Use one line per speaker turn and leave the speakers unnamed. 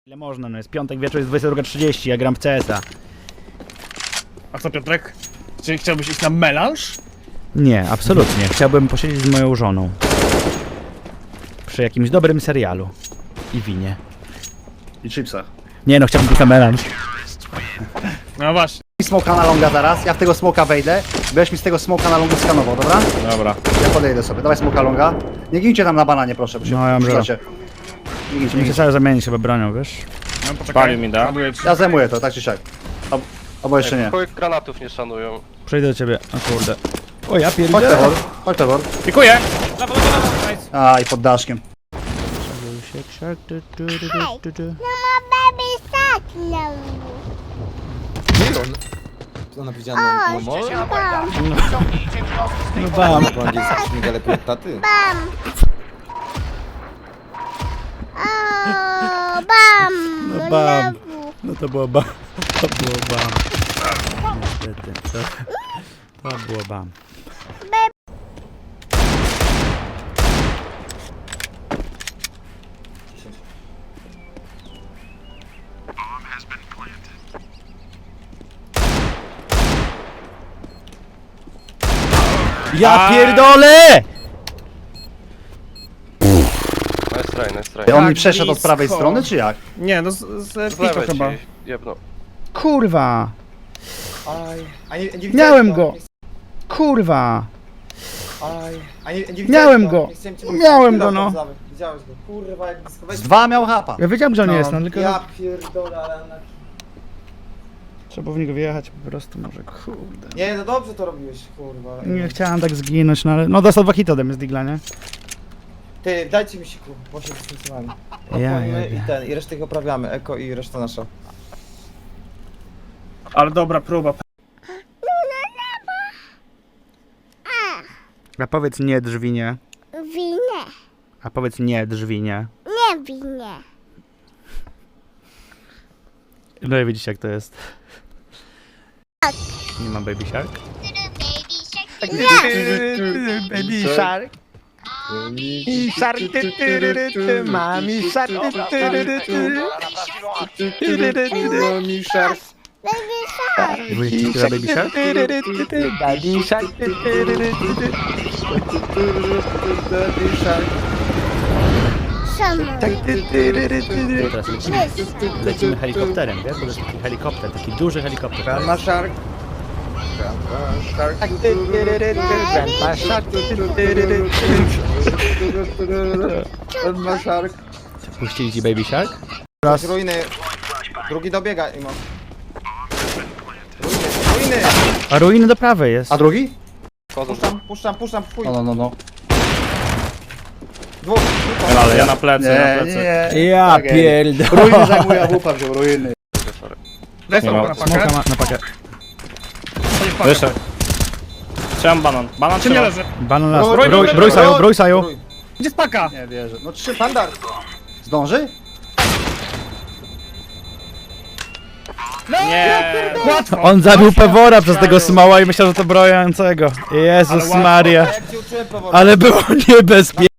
Ile można, no jest piątek wieczór, jest 22:30, ja gram w CS-a.
A co, Piotrek? Czy chciałbyś iść na melanż?
Nie, absolutnie. Chciałbym posiedzieć z moją żoną. Przy jakimś dobrym serialu. I winie.
I chipsach.
Nie no, chciałbym tylko melanż.
No właśnie.
Smoka na longa zaraz, ja w tego smoka wejdę. Będziesz mi z tego smoka na longa skanował, dobra?
Dobra.
Ja podejdę sobie, dawaj smoka longa. Nie gincie tam na bananie, proszę, bo się
No, ja mam
przydacie. Nie gincie,
Nie
nie
się
gincie.
cały zamienić chyba bronią, wiesz?
No poczekaj.
Palił mi, da?
Ładuję ci.
Ja zajmuję to, tak czy siak. Albo jeszcze nie.
Chuj granatów nie szanują.
Przejdę do ciebie. O kurde. O ja
Chodź
pierdzielę.
Pewor, chodź Pewor.
Pikuję! Lewo, lewo, lewo, nice.
A, i pod daszkiem.
baby shark now.
Ona widziała humor?
No bam.
Będzie z migale taty?
Bam. Oh, bam.
No bam. No to było bam. To było bam. Niestety. To było bam. Ja pierdolę!
Nice try.
On mi
Tak
przeszedł od prawej
blisko.
strony, czy jak?
Nie, no z
Z
pito
lewej
chyba.
ci jebno.
Kurwa!
Aj, a nie
Miałem
widziałeś
go! Kurwa!
Aj, a nie widziałeś
Miałem go.
Nie chciałem cię
Miałem
powiedzieć.
go, no.
Widziałeś go, kurwa, jak blisko
Z dwa miał hapa.
Ja wiedziałem, że on jest, no tylko
Ja pierdolę, ale na...
trzeba w niego wjechać po prostu, może kurde.
Nie, no dobrze to robiłeś, kurwa.
Nie chciałem tak zginąć, no ale... No dostał 2 hity ode mnie z digla, nie?
Ty, dajcie mi siku, bo się dystansowałem.
Ja
Opłonimy
jebie.
i resztę ich oprawiamy, eko i reszta nasza.
Ale dobra próba.
A powiedz nie drzwinie.
Winie.
A powiedz nie drzwinie.
Nie winie.
No i widzicie jak to jest. Nie mam baby shark? Baby shark. I shark, mami shark,
Mami szarf.
Baby shark.
Wujek śpiewa baby shark? Baby shark.
Sama.
Teraz lecimy helikopterem, wiesz? Bo to jest taki helikopter, taki duży helikopter.
Grandma Shark. Grandma Shark. Grandma Shark.
Puścili ci baby shark?
Raz. Ruiny. Drugi dobiega, Imo. Ruiny.
A ruiny do prawej jest.
A drugi?
Puszczam, chuj.
No.
Dwóch.
Ale ja na plecy, na plecy.
Nie.
Ja
Tak,
pierdolę.
Ruiny zajmuje, a wupa wziął ruiny.
Daj
Nie
smoka
ma.
na
Smoka
pakę.
na pakę.
Chodź w pakę.
Wyszedł. Trzymam banan. Banan
Czy nie
trzyma.
leży?
Banan las.
Rój,
Brój saju, brój saju.
Gdzie jest paka?
Nie wierzę. No trzy.
Standard.
Zdąży?
Nie.
Łatwo.
On zabił Pewora przez tego smoła i myślał, że to brojącego. Jezus
Ale łatwo.
Maria.
A jak ci uczyłem powoli?
Ale było niebezpiecznie.